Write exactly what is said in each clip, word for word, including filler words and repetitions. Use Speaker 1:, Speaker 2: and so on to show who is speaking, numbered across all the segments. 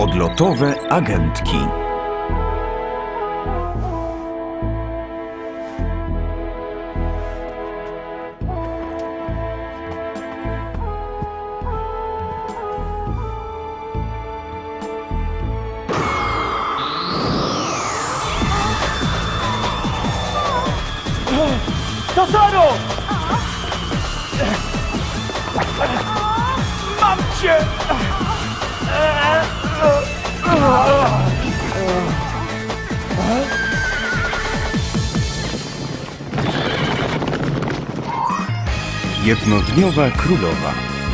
Speaker 1: Odlotowe agentki.
Speaker 2: Tasaru! Mam cię!
Speaker 1: Jednodniowa królowa.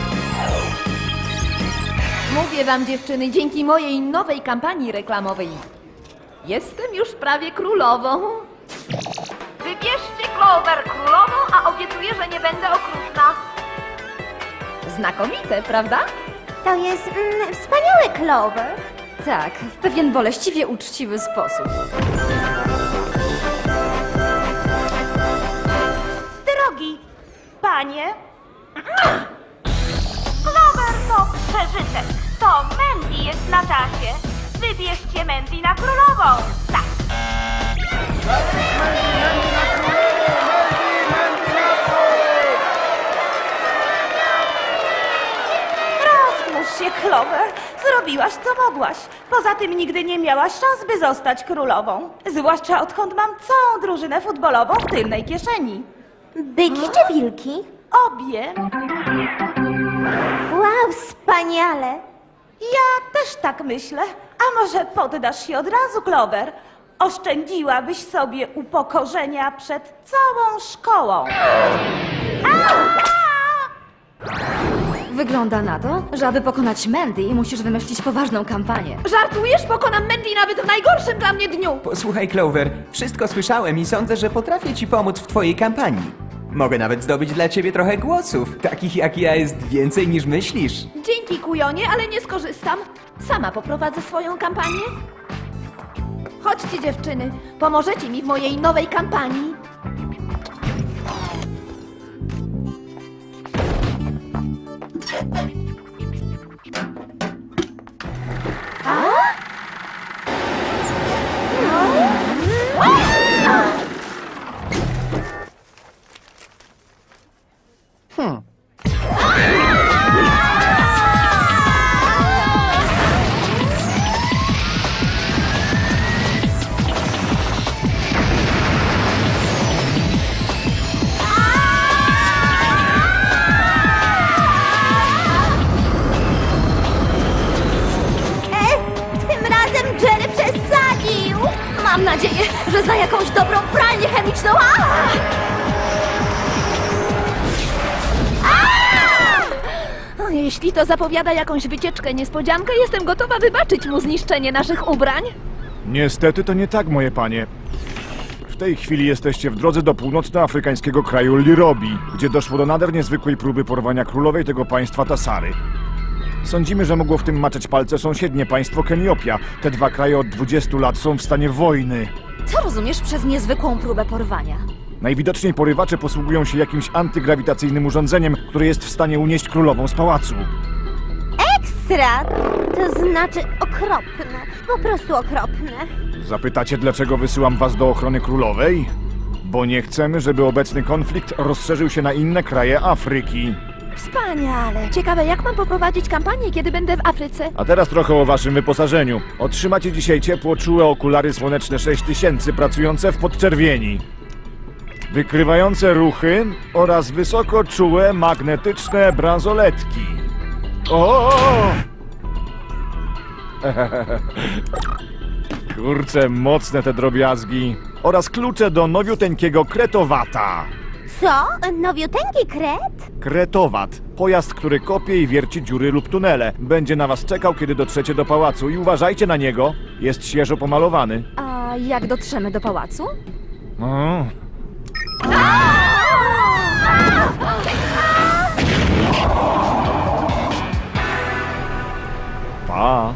Speaker 3: Mówię wam, dziewczyny, dzięki mojej nowej kampanii reklamowej jestem już prawie królową. Wybierzcie Clover królową, a obiecuję, że nie będę okrutna. Znakomite, prawda?
Speaker 4: To jest mm, wspaniały Clover.
Speaker 5: Tak, w pewien boleściwie uczciwy sposób.
Speaker 4: Drogi panie. Clover to przeżytek. To Mandy jest na czasie. Wybierzcie Mandy na królową. Tak.
Speaker 6: Rozmusz się, Clover. Zrobiłaś, co mogłaś. Poza tym nigdy nie miałaś szans, by zostać królową. Zwłaszcza odkąd mam całą drużynę futbolową w tylnej kieszeni.
Speaker 4: Byki czy wilki?
Speaker 6: Obie.
Speaker 4: Wow, wspaniale.
Speaker 6: Ja też tak myślę. A może poddasz się od razu, Clover? Oszczędziłabyś sobie upokorzenia przed całą szkołą.
Speaker 5: Wygląda na to, że aby pokonać Mandy, musisz wymyślić poważną kampanię.
Speaker 3: Żartujesz? Pokonam Mandy nawet w najgorszym dla mnie dniu.
Speaker 7: Posłuchaj, Clover, wszystko słyszałem i sądzę, że potrafię ci pomóc w twojej kampanii. Mogę nawet zdobyć dla ciebie trochę głosów. Takich jak ja jest więcej niż myślisz.
Speaker 3: Dzięki, kujonie, ale nie skorzystam. Sama poprowadzę swoją kampanię. Chodźcie, dziewczyny, pomożecie mi w mojej nowej kampanii.
Speaker 4: Tym razem Jerry przesadził.
Speaker 5: Mam nadzieję, że za jakąś dobrą pralnię chemiczną. A!
Speaker 3: O, jeśli to zapowiada jakąś wycieczkę, niespodziankę, jestem gotowa wybaczyć mu zniszczenie naszych ubrań.
Speaker 2: Niestety to nie tak, moje panie. W tej chwili jesteście w drodze do północnoafrykańskiego kraju Lirobi, gdzie doszło do nader niezwykłej próby porwania królowej tego państwa Tasary. Sądzimy, że mogło w tym maczać palce sąsiednie państwo Keniopia. Te dwa kraje od dwudziestu lat są w stanie wojny.
Speaker 5: Co rozumiesz przez niezwykłą próbę porwania?
Speaker 2: Najwidoczniej porywacze posługują się jakimś antygrawitacyjnym urządzeniem, które jest w stanie unieść królową z pałacu.
Speaker 4: Ekstra. To znaczy okropne. Po prostu okropne.
Speaker 2: Zapytacie, dlaczego wysyłam was do ochrony królowej? Bo nie chcemy, żeby obecny konflikt rozszerzył się na inne kraje Afryki.
Speaker 3: Wspaniale. Ciekawe, jak mam poprowadzić kampanię, kiedy będę w Afryce.
Speaker 2: A teraz trochę o waszym wyposażeniu. Otrzymacie dzisiaj ciepło czułe okulary słoneczne sześć tysięcy pracujące w podczerwieni. Wykrywające ruchy oraz wysoko czułe magnetyczne bransoletki. O! Kurczę, mocne te drobiazgi. Oraz klucze do nowiuteńkiego kretowata.
Speaker 4: Co? Nowiuteńki kret?
Speaker 2: Kretowat. Pojazd, który kopie i wierci dziury lub tunele. Będzie na was czekał, kiedy dotrzecie do pałacu i uważajcie na niego. Jest świeżo pomalowany.
Speaker 5: A jak dotrzemy do pałacu?
Speaker 2: O. Pa.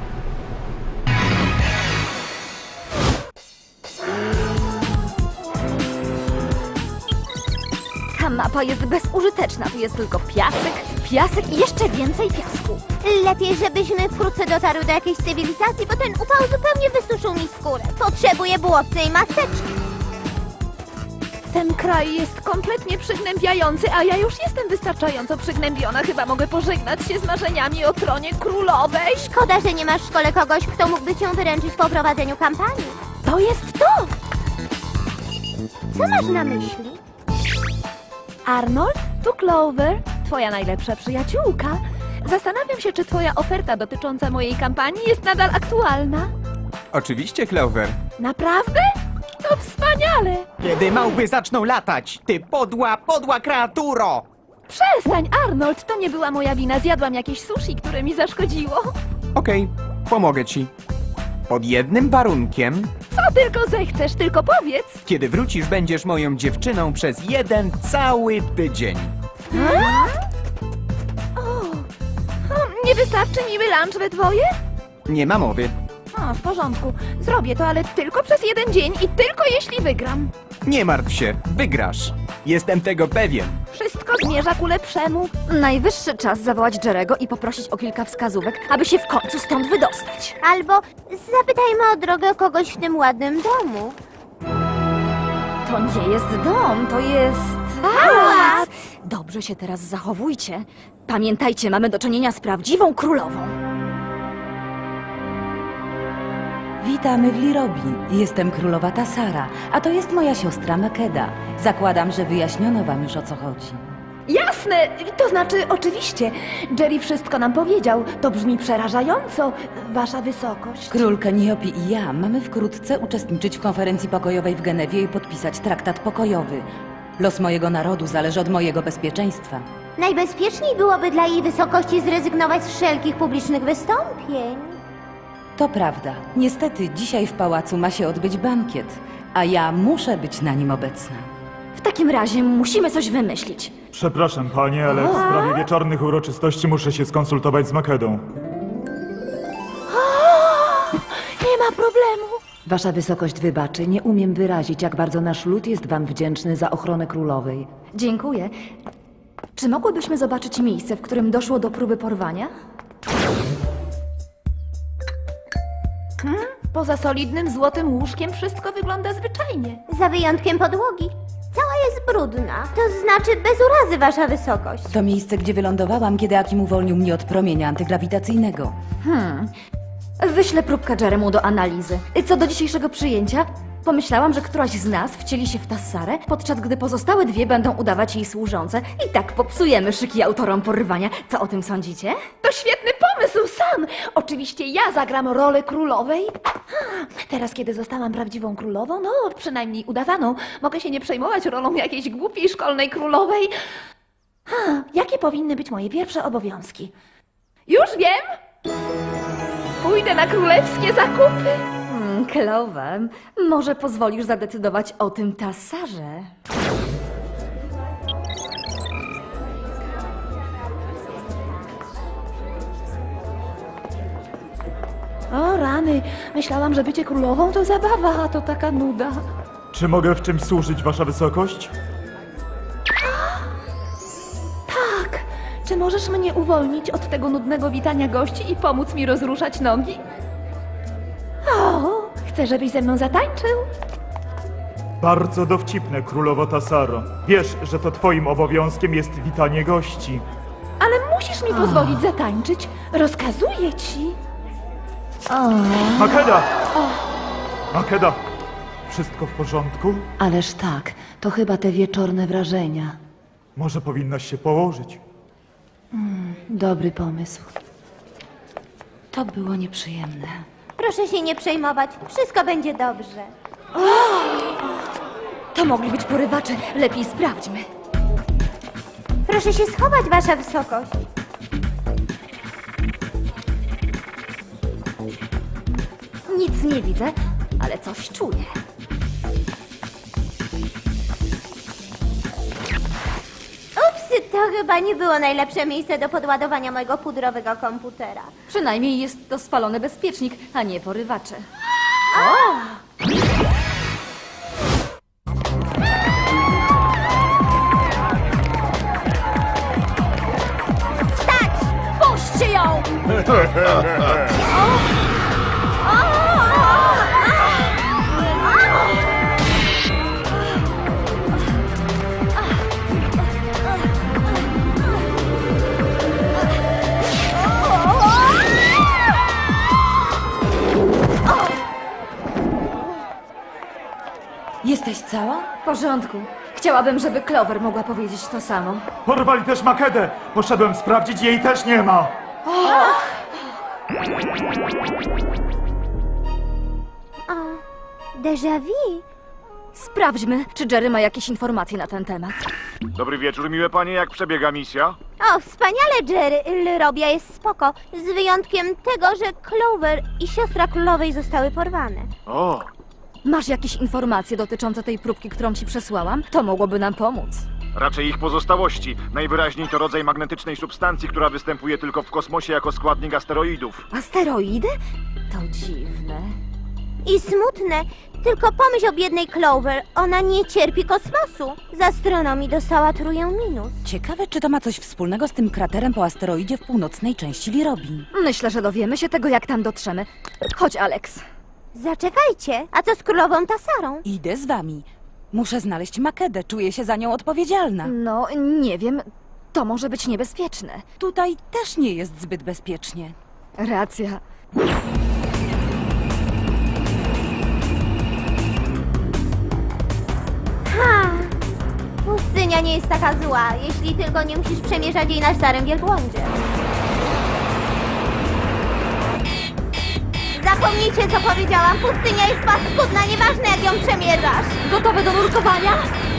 Speaker 5: Ta mapa jest bezużyteczna. Tu jest tylko piasek, piasek i jeszcze więcej piasku.
Speaker 8: Lepiej, żebyśmy wkrótce dotarły do jakiejś cywilizacji, bo ten upał zupełnie wysuszył mi skórę. Potrzebuję błotnej maseczki.
Speaker 3: Ten kraj jest kompletnie przygnębiający, a ja już jestem wystarczająco przygnębiona. Chyba mogę pożegnać się z marzeniami o tronie królowej.
Speaker 8: Szkoda, że nie masz w szkole kogoś, kto mógłby cię wyręczyć po prowadzeniu kampanii.
Speaker 3: To jest to!
Speaker 8: Co masz na myśli?
Speaker 3: Arnold, tu Clover, twoja najlepsza przyjaciółka. Zastanawiam się, czy twoja oferta dotycząca mojej kampanii jest nadal aktualna.
Speaker 7: Oczywiście, Clover.
Speaker 3: Naprawdę? To wspaniale!
Speaker 9: Kiedy małpy zaczną latać, ty podła, podła kreaturo!
Speaker 3: Przestań, Arnold, to nie była moja wina. Zjadłam jakieś sushi, które mi zaszkodziło.
Speaker 7: Okej, pomogę ci. Pod jednym warunkiem,
Speaker 3: Co tylko zechcesz, tylko powiedz.
Speaker 7: kiedy wrócisz, będziesz moją dziewczyną przez jeden cały tydzień.
Speaker 3: O, nie wystarczy miły lunch we dwoje?
Speaker 7: Nie ma mowy.
Speaker 3: O, w porządku. Zrobię to, ale tylko przez jeden dzień i tylko jeśli wygram.
Speaker 7: Nie martw się, wygrasz. Jestem tego pewien.
Speaker 3: Wszystko zmierza ku lepszemu.
Speaker 5: Najwyższy czas zawołać Jerego i poprosić o kilka wskazówek, aby się w końcu stąd wydostać.
Speaker 8: Albo zapytajmy o drogę kogoś w tym ładnym domu.
Speaker 5: To nie jest dom, to jest...
Speaker 8: Pałac!
Speaker 5: Dobrze się teraz zachowujcie. Pamiętajcie, mamy do czynienia z prawdziwą królową.
Speaker 10: Witamy w Lirobi. Jestem królowa Tassara, a to jest moja siostra Makeda. Zakładam, że wyjaśniono wam już o co chodzi.
Speaker 3: Jasne, to znaczy oczywiście. Jerry wszystko nam powiedział. To brzmi przerażająco, wasza wysokość.
Speaker 10: Król Keniopi i ja mamy wkrótce uczestniczyć w konferencji pokojowej w Genewie i podpisać traktat pokojowy. Los mojego narodu zależy od mojego bezpieczeństwa.
Speaker 8: Najbezpieczniej byłoby dla jej wysokości zrezygnować z wszelkich publicznych wystąpień.
Speaker 10: To prawda. Niestety dzisiaj w pałacu ma się odbyć bankiet, a ja muszę być na nim obecna.
Speaker 5: W takim razie musimy coś wymyślić.
Speaker 11: Przepraszam, panie, ale w sprawie wieczornych uroczystości muszę się skonsultować z Makedą.
Speaker 3: Nie ma problemu.
Speaker 12: Wasza wysokość wybaczy, nie umiem wyrazić, jak bardzo nasz lud jest wam wdzięczny za ochronę królowej.
Speaker 5: Dziękuję. Czy mogłybyśmy zobaczyć miejsce, w którym doszło do próby porwania?
Speaker 3: Poza solidnym złotym łóżkiem wszystko wygląda zwyczajnie.
Speaker 8: Za wyjątkiem podłogi. Cała jest brudna. To znaczy bez urazy, wasza wysokość.
Speaker 10: To miejsce, gdzie wylądowałam, kiedy Akim uwolnił mnie od promienia antygrawitacyjnego.
Speaker 5: Hmm. Wyślę próbkę Jeremu do analizy. Co do dzisiejszego przyjęcia, pomyślałam, że któraś z nas wcieli się w Tassarę, podczas gdy pozostałe dwie będą udawać jej służące i tak popsujemy szyki autorom porwania. Co o tym sądzicie?
Speaker 3: To świetny pomysł, Sam! Oczywiście ja zagram rolę królowej. Ha, teraz, kiedy zostałam prawdziwą królową, no przynajmniej udawaną, mogę się nie przejmować rolą jakiejś głupiej szkolnej królowej. Ha, jakie powinny być moje pierwsze obowiązki? Już wiem! Pójdę na królewskie zakupy.
Speaker 5: Hmm, Clover, może pozwolisz zadecydować o tym Tassarze?
Speaker 3: O rany, myślałam, że bycie królową to zabawa, a to taka nuda.
Speaker 11: Czy mogę w czymś służyć, wasza wysokość?
Speaker 3: Tak, czy możesz mnie uwolnić od tego nudnego witania gości i pomóc mi rozruszać nogi? O, chcę, żebyś ze mną zatańczył.
Speaker 11: Bardzo dowcipne, królowo Tassaro. Wiesz, że to twoim obowiązkiem jest witanie gości.
Speaker 3: Ale musisz mi pozwolić zatańczyć. Rozkazuję ci.
Speaker 11: Makeda! Makeda! Wszystko w porządku?
Speaker 12: Ależ tak, to chyba te wieczorne wrażenia.
Speaker 11: Może powinnaś się położyć.
Speaker 12: Dobry pomysł.
Speaker 10: To było nieprzyjemne.
Speaker 8: Proszę się nie przejmować. Wszystko będzie dobrze.
Speaker 5: To mogli być porywacze. Lepiej sprawdźmy.
Speaker 8: Proszę się schować, wasza wysokość.
Speaker 5: Nic nie widzę, ale coś czuję.
Speaker 8: Upsy, to chyba nie było najlepsze miejsce do podładowania mojego pudrowego komputera.
Speaker 5: Przynajmniej jest to spalony bezpiecznik, a nie porywacze.
Speaker 10: Jesteś cała?
Speaker 5: W porządku. Chciałabym, żeby Clover mogła powiedzieć to samo.
Speaker 11: Porwali też Makedę. Poszedłem sprawdzić, jej też nie ma.
Speaker 8: Déjà vu?
Speaker 5: Sprawdźmy, czy Jerry ma jakieś informacje na ten temat.
Speaker 2: Dobry wieczór, miłe panie, jak przebiega misja?
Speaker 8: O, wspaniale, Jerry. Lrobia jest spoko. Z wyjątkiem tego, że Clover i siostra królowej zostały porwane.
Speaker 2: O,
Speaker 5: Masz jakieś informacje dotyczące tej próbki, którą ci przesłałam? To mogłoby nam pomóc.
Speaker 2: raczej ich pozostałości. Najwyraźniej to rodzaj magnetycznej substancji, która występuje tylko w kosmosie jako składnik asteroidów.
Speaker 5: Asteroidy? To dziwne.
Speaker 8: I smutne. Tylko pomyśl o biednej Clover. Ona nie cierpi kosmosu. Z astronomii dostała trójkę minus.
Speaker 10: Ciekawe, czy to ma coś wspólnego z tym kraterem po asteroidzie w północnej części Lirobi.
Speaker 5: Myślę, że dowiemy się tego, jak tam dotrzemy. Chodź, Alex.
Speaker 8: Zaczekajcie. A co z królową Tasarą?
Speaker 10: Idę z wami. Muszę znaleźć Makedę, czuję się za nią odpowiedzialna.
Speaker 5: No, nie wiem. To może być niebezpieczne.
Speaker 10: Tutaj też nie jest zbyt bezpiecznie.
Speaker 5: Racja.
Speaker 8: Ha! Pustynia nie jest taka zła, jeśli tylko nie musisz przemierzać jej na starym wielbłądzie. Zapomnijcie, co powiedziałam. Pustynia jest paskudna, nieważne jak ją przemierzasz.
Speaker 5: Gotowe do nurkowania?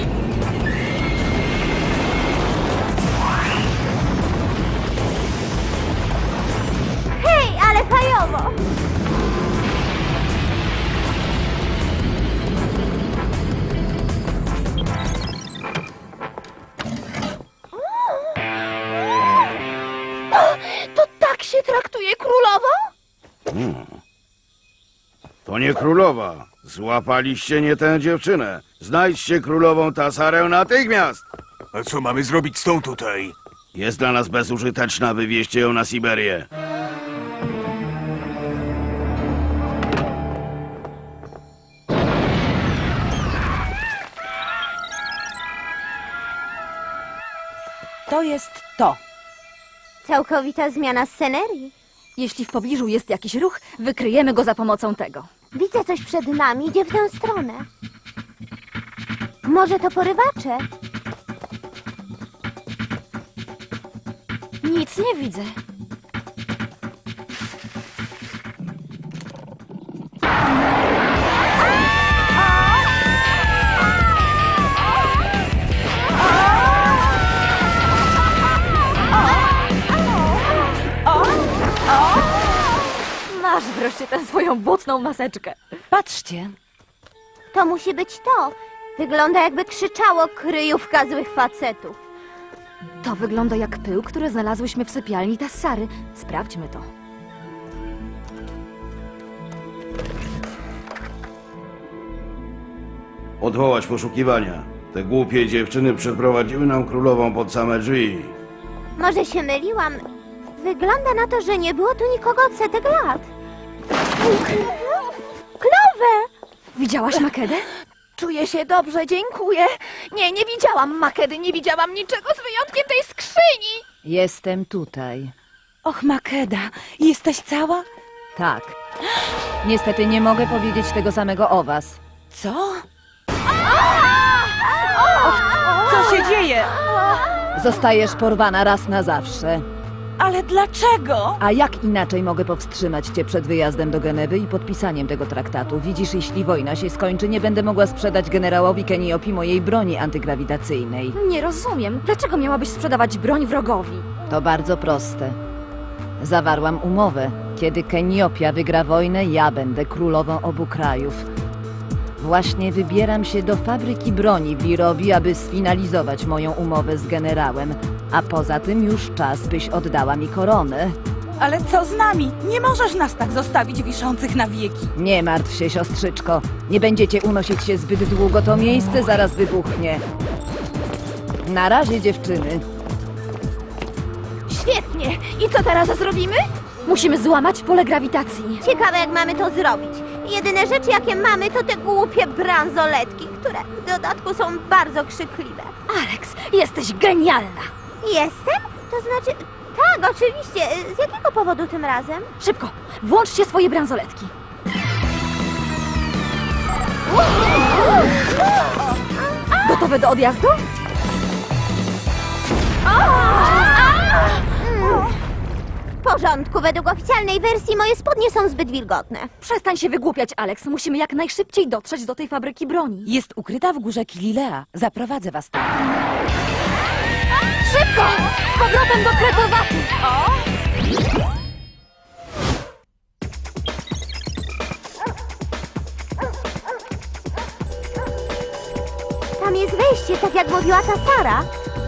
Speaker 8: Hej, ale fajowo!
Speaker 3: To tak się traktuje królową?
Speaker 13: To nie królowa. Złapaliście nie tę dziewczynę. Znajdźcie królową Tasarę natychmiast.
Speaker 1: A co mamy zrobić z tą tutaj?
Speaker 13: Jest dla nas bezużyteczna, wywieźcie ją na Siberię.
Speaker 10: To jest to.
Speaker 8: Całkowita zmiana scenerii.
Speaker 5: Jeśli w pobliżu jest jakiś ruch, wykryjemy go za pomocą tego.
Speaker 8: Widzę coś przed nami, idzie w tę stronę. Może to porywacze?
Speaker 5: Nic nie widzę. Masz wreszcie tę swoją błotną maseczkę.
Speaker 10: Patrzcie.
Speaker 8: To musi być to. Wygląda jakby krzyczało kryjówka złych facetów.
Speaker 5: To wygląda jak pył, który znalazłyśmy w sypialni Tassary. Sprawdźmy to.
Speaker 13: Odwołać poszukiwania. Te głupie dziewczyny przeprowadziły nam królową pod same drzwi.
Speaker 8: Może się myliłam. Wygląda na to, że nie było tu nikogo od setek lat. Clover!
Speaker 5: Widziałaś Makedę?
Speaker 3: Czuję się dobrze, dziękuję. Nie, nie widziałam Makedy, nie widziałam niczego z wyjątkiem tej skrzyni.
Speaker 12: Jestem tutaj.
Speaker 10: Och, Makeda, jesteś cała?
Speaker 12: Tak. Niestety nie mogę powiedzieć tego samego o was.
Speaker 10: Co? Co się dzieje?
Speaker 12: Zostajesz porwana raz na zawsze.
Speaker 10: Ale dlaczego?
Speaker 12: A jak inaczej mogę powstrzymać cię przed wyjazdem do Genewy i podpisaniem tego traktatu? Widzisz, jeśli wojna się skończy, nie będę mogła sprzedać generałowi Keniopi mojej broni antygrawitacyjnej.
Speaker 5: Nie rozumiem. Dlaczego miałabyś sprzedawać broń wrogowi?
Speaker 12: To bardzo proste. Zawarłam umowę. Kiedy Keniopia wygra wojnę, ja będę królową obu krajów. Właśnie wybieram się do fabryki broni w Lirobi, aby sfinalizować moją umowę z generałem. A poza tym już czas, byś oddała mi koronę.
Speaker 10: Ale co z nami? Nie możesz nas tak zostawić wiszących na wieki.
Speaker 12: Nie martw się, siostrzyczko. Nie będziecie unosić się zbyt długo, to miejsce zaraz wybuchnie. Na razie, dziewczyny.
Speaker 3: Świetnie. I co teraz zrobimy?
Speaker 5: Musimy złamać pole grawitacji.
Speaker 8: Ciekawe, jak mamy to zrobić. Jedyne rzeczy, jakie mamy, to te głupie bransoletki, które w dodatku są bardzo krzykliwe.
Speaker 5: Alex, jesteś genialna!
Speaker 8: Jestem? To znaczy... Tak, oczywiście. Z jakiego powodu tym razem?
Speaker 5: Szybko, włączcie swoje bransoletki. Gotowe do odjazdu?
Speaker 8: W porządku, według oficjalnej wersji moje spodnie są zbyt wilgotne.
Speaker 5: Przestań się wygłupiać, Alex. Musimy jak najszybciej dotrzeć do tej fabryki broni.
Speaker 10: Jest ukryta w górze Kililea. Zaprowadzę was tam.
Speaker 5: Szybko! Z powrotem do Kretowatu!
Speaker 8: Tam jest wejście, tak jak mówiła ta Sara.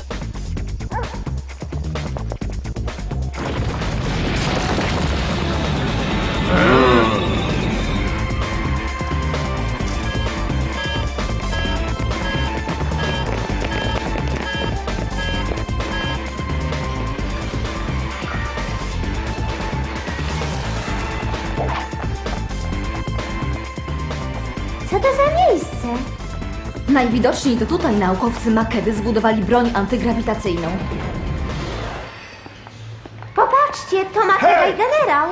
Speaker 8: Co to za miejsce?
Speaker 5: Najwidoczniej to tutaj naukowcy Makedy zbudowali broń antygrawitacyjną.
Speaker 8: Popatrzcie, to Makeda i generał.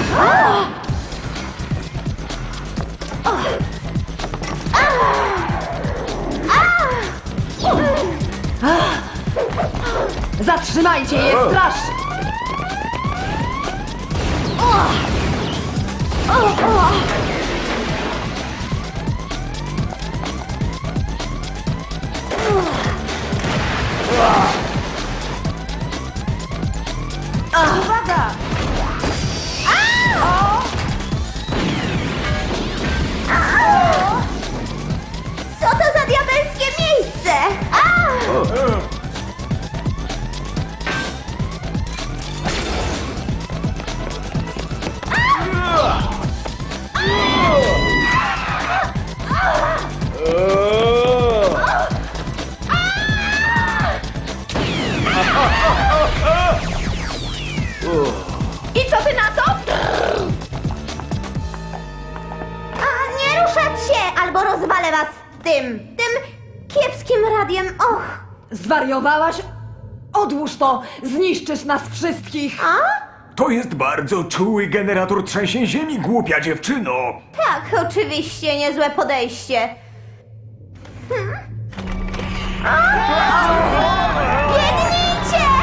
Speaker 12: Zatrzymajcie je, straż!
Speaker 6: Uwaga!
Speaker 8: Co to za diabelskie miejsce?
Speaker 3: I co ty na to?
Speaker 8: A, nie ruszać się, albo rozwalę was tym, tym kiepskim radiem. Och,
Speaker 12: Zwariowałaś? Odłóż to! Zniszczysz nas wszystkich!
Speaker 1: To jest bardzo czuły generator trzęsień ziemi, głupia dziewczyno!
Speaker 8: tak, oczywiście, niezłe podejście. Hmm? Biegnijcie!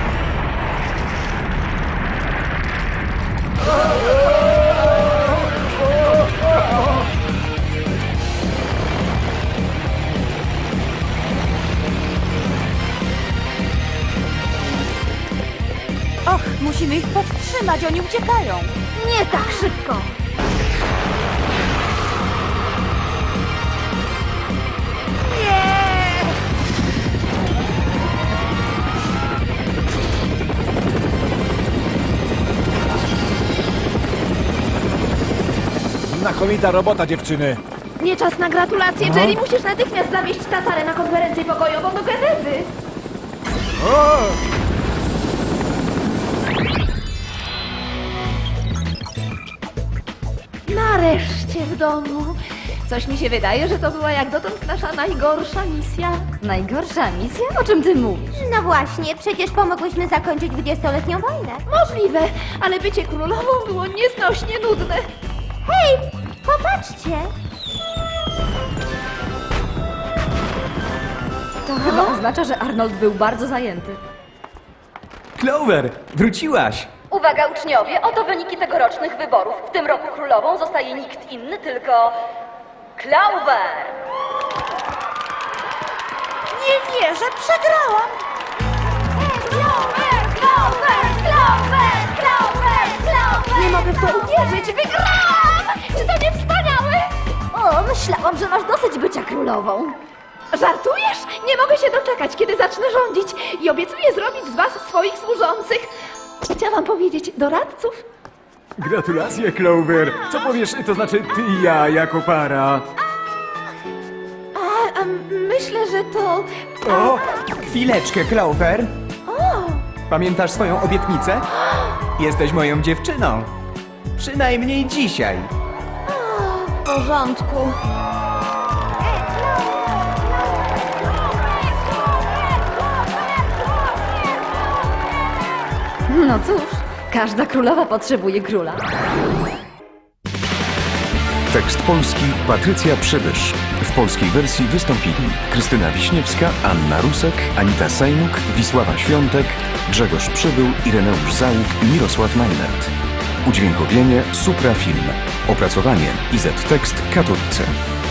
Speaker 6: Och, musimy ich powstrzymać, oni uciekają.
Speaker 5: Nie tak szybko!
Speaker 2: Znakomita robota, dziewczyny.
Speaker 3: Nie czas na gratulacje,
Speaker 2: No.
Speaker 3: Jerry. Musisz natychmiast zawieźć Tasarę na konferencję pokojową do Genewy. Nareszcie w domu. Coś mi się wydaje, że to była jak dotąd nasza najgorsza misja.
Speaker 5: Najgorsza misja? O czym ty mówisz?
Speaker 8: No właśnie, przecież pomogłyśmy zakończyć dwudziestoletnią wojnę.
Speaker 3: Możliwe, ale bycie królową było nieznośnie nudne.
Speaker 8: Hej, popatrzcie!
Speaker 5: To chyba oznacza, że Arnold był bardzo zajęty.
Speaker 7: Clover, wróciłaś!
Speaker 5: Uwaga uczniowie, oto wyniki tegorocznych wyborów. W tym roku królową zostaje nikt inny, tylko... Clover!
Speaker 6: Nie wierzę, przegrałam!
Speaker 8: Clover, Clover, Clover, Clover, Clover!
Speaker 3: Nie mogę w to uwierzyć, wygrałam! Czy to nie wspaniałe?
Speaker 5: O, myślałam, że masz dosyć bycia królową.
Speaker 3: Żartujesz? Nie mogę się doczekać, kiedy zacznę rządzić i obiecuję zrobić z was swoich służących. Chciałam powiedzieć doradców.
Speaker 1: Gratulacje, Clover! Co powiesz, to znaczy ty i ja jako para?
Speaker 3: A, a myślę, że to...
Speaker 7: O! Chwileczkę, Clover! Pamiętasz swoją obietnicę? Jesteś moją dziewczyną. Przynajmniej dzisiaj.
Speaker 3: W porządku.
Speaker 5: No cóż, każda królowa potrzebuje króla.
Speaker 14: Tekst polski Patrycja Przybysz. W polskiej wersji wystąpili Krystyna Wiśniewska, Anna Rusek, Anita Sejnuk, Wisława Świątek, Grzegorz Przybył, Ireneusz Załuk i Mirosław Majnert. Udźwiękowienie Supra Film. Opracowanie I Z Tekst Katowice.